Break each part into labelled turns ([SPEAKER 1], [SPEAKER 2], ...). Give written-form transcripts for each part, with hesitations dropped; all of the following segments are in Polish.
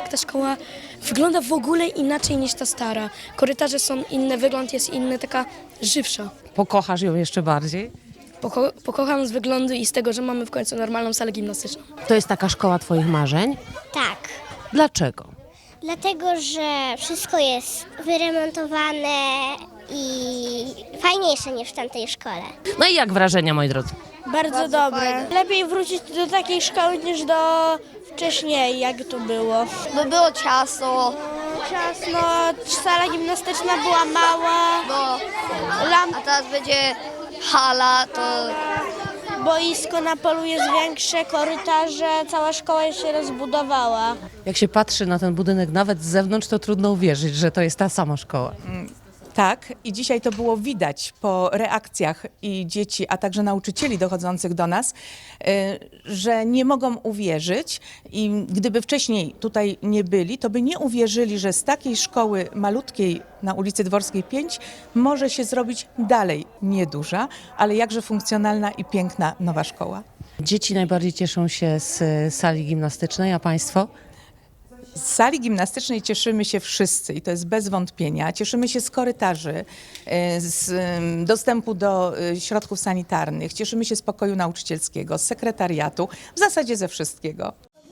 [SPEAKER 1] jak ta szkoła wygląda w ogóle inaczej niż ta stara. Korytarze są inne, wygląd jest inny, taka żywsza.
[SPEAKER 2] Pokochasz ją jeszcze bardziej?
[SPEAKER 1] Pokocham z wyglądu i z tego, że mamy w końcu normalną salę gimnastyczną.
[SPEAKER 2] To jest taka szkoła twoich marzeń?
[SPEAKER 3] Tak,
[SPEAKER 2] Dlaczego?
[SPEAKER 3] dlatego że wszystko jest wyremontowane i fajniejsze niż w tamtej szkole.
[SPEAKER 2] No i jak wrażenia, moi drodzy?
[SPEAKER 4] Bardzo dobre. Lepiej wrócić do takiej szkoły niż do wcześniej, jak to było.
[SPEAKER 5] Bo było ciasno,
[SPEAKER 4] Ciasno, sala gimnastyczna była mała,
[SPEAKER 5] a teraz będzie hala, to
[SPEAKER 4] boisko na polu jest większe, korytarze, cała szkoła się rozbudowała.
[SPEAKER 2] Jak się patrzy na ten budynek nawet z zewnątrz, to trudno uwierzyć, że to jest ta sama szkoła.
[SPEAKER 6] Tak, i dzisiaj to było widać po reakcjach i dzieci, a także nauczycieli dochodzących do nas, że nie mogą uwierzyć i gdyby wcześniej tutaj nie byli, to by nie uwierzyli, że z takiej szkoły malutkiej na ulicy Dworskiej 5 może się zrobić dalej nieduża, ale jakże funkcjonalna i piękna nowa szkoła.
[SPEAKER 2] Dzieci najbardziej cieszą się z sali gimnastycznej, a państwo?
[SPEAKER 6] Z sali gimnastycznej cieszymy się wszyscy i to jest bez wątpienia. Cieszymy się z korytarzy, z dostępu do środków sanitarnych, cieszymy się z pokoju nauczycielskiego, z sekretariatu, w zasadzie ze wszystkiego.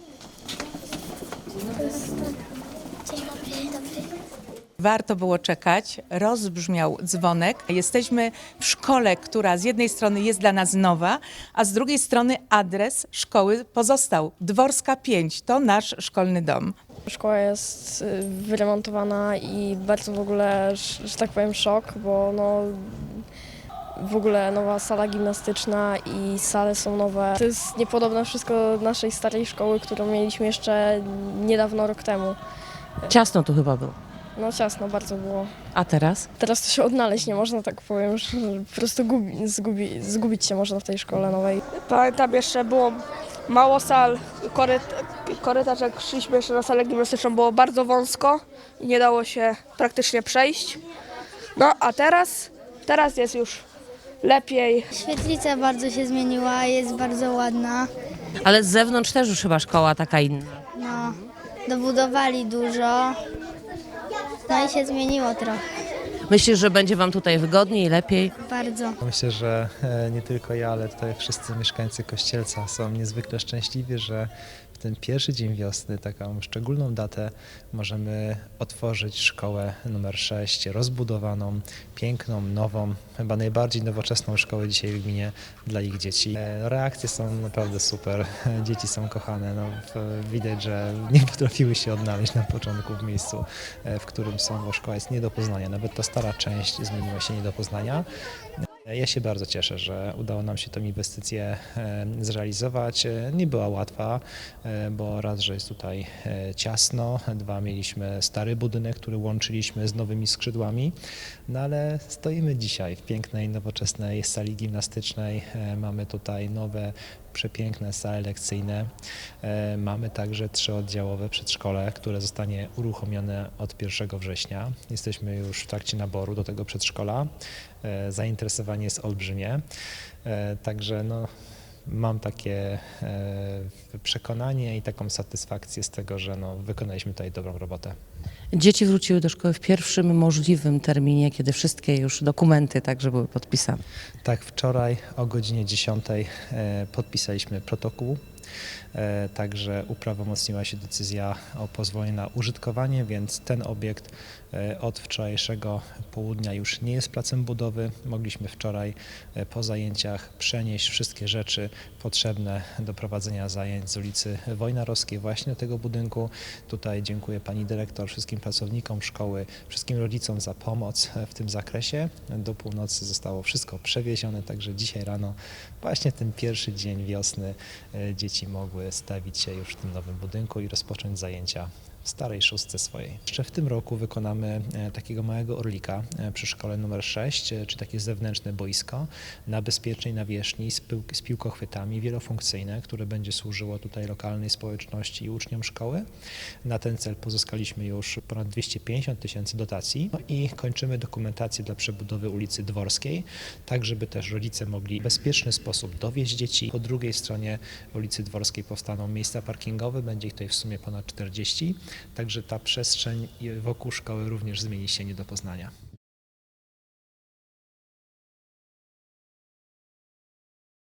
[SPEAKER 6] Warto było czekać, rozbrzmiał dzwonek. Jesteśmy w szkole, która z jednej strony jest dla nas nowa, a z drugiej strony adres szkoły pozostał. Dworska 5 to nasz szkolny dom.
[SPEAKER 7] Szkoła jest wyremontowana i bardzo w ogóle, że tak powiem, szok, bo no, w ogóle nowa sala gimnastyczna i sale są nowe. To jest niepodobne wszystko do naszej starej szkoły, którą mieliśmy jeszcze niedawno, rok temu.
[SPEAKER 2] Ciasno tu chyba było.
[SPEAKER 7] No ciasno bardzo było.
[SPEAKER 2] A teraz?
[SPEAKER 7] Teraz to się odnaleźć nie można, tak powiem, że po prostu zgubić się można w tej szkole nowej.
[SPEAKER 4] Pamiętam, jeszcze było mało sal, korytarz jak szliśmy jeszcze na salę gimnastyczną było bardzo wąsko i nie dało się praktycznie przejść. No a teraz jest już lepiej.
[SPEAKER 8] Świetlica bardzo się zmieniła, jest bardzo ładna.
[SPEAKER 2] Ale z zewnątrz też już chyba szkoła taka inna.
[SPEAKER 8] No, dobudowali dużo. No i się zmieniło trochę.
[SPEAKER 2] Myślisz, że będzie wam tutaj wygodniej, lepiej?
[SPEAKER 8] Bardzo.
[SPEAKER 9] Myślę, że nie tylko ja, ale tutaj wszyscy mieszkańcy Kościelca są niezwykle szczęśliwi, że w ten pierwszy dzień wiosny, taką szczególną datę, możemy otworzyć szkołę numer 6, rozbudowaną, piękną, nową, chyba najbardziej nowoczesną szkołę dzisiaj w gminie dla ich dzieci. Reakcje są naprawdę super, dzieci są kochane, no, widać, że nie potrafiły się odnaleźć na początku w miejscu, w którym są, bo szkoła jest nie do poznania, nawet ta stara część zmieniła się nie do poznania. Ja się bardzo cieszę, że udało nam się tę inwestycję zrealizować. Nie była łatwa, bo raz, że jest tutaj ciasno, dwa, mieliśmy stary budynek, który łączyliśmy z nowymi skrzydłami, no ale stoimy dzisiaj w pięknej, nowoczesnej sali gimnastycznej. Mamy tutaj nowe, przepiękne sale lekcyjne. Mamy także 3-oddziałowe przedszkole, które zostanie uruchomione od 1 września. Jesteśmy już w trakcie naboru do tego przedszkola. Zainteresowanie jest olbrzymie. Także no, mam takie przekonanie i taką satysfakcję z tego, że no, wykonaliśmy tutaj dobrą robotę.
[SPEAKER 2] Dzieci wróciły do szkoły w pierwszym możliwym terminie, kiedy wszystkie już dokumenty także były podpisane.
[SPEAKER 9] Tak, wczoraj o godzinie 10 podpisaliśmy protokół. Także uprawomocniła się decyzja o pozwoleniu na użytkowanie, więc ten obiekt od wczorajszego południa już nie jest placem budowy. Mogliśmy wczoraj po zajęciach przenieść wszystkie rzeczy potrzebne do prowadzenia zajęć z ulicy Wojnarowskiej właśnie do tego budynku. Tutaj dziękuję pani dyrektor, wszystkim pracownikom szkoły, wszystkim rodzicom za pomoc w tym zakresie. Do północy zostało wszystko przewiezione, także dzisiaj rano, właśnie ten pierwszy dzień wiosny, dzieci mogły stawić się już w tym nowym budynku i rozpocząć zajęcia w starej szóstce swojej. Jeszcze w tym roku wykonamy takiego małego orlika przy szkole numer 6, czy takie zewnętrzne boisko na bezpiecznej nawierzchni z piłkochwytami wielofunkcyjne, które będzie służyło tutaj lokalnej społeczności i uczniom szkoły. Na ten cel pozyskaliśmy już ponad 250 000 dotacji i kończymy dokumentację dla przebudowy ulicy Dworskiej, tak żeby też rodzice mogli w bezpieczny sposób dowieźć dzieci. Po drugiej stronie ulicy Dworskiej powstaną miejsca parkingowe, będzie ich tutaj w sumie ponad 40. Także ta przestrzeń wokół szkoły również zmieni się nie do poznania.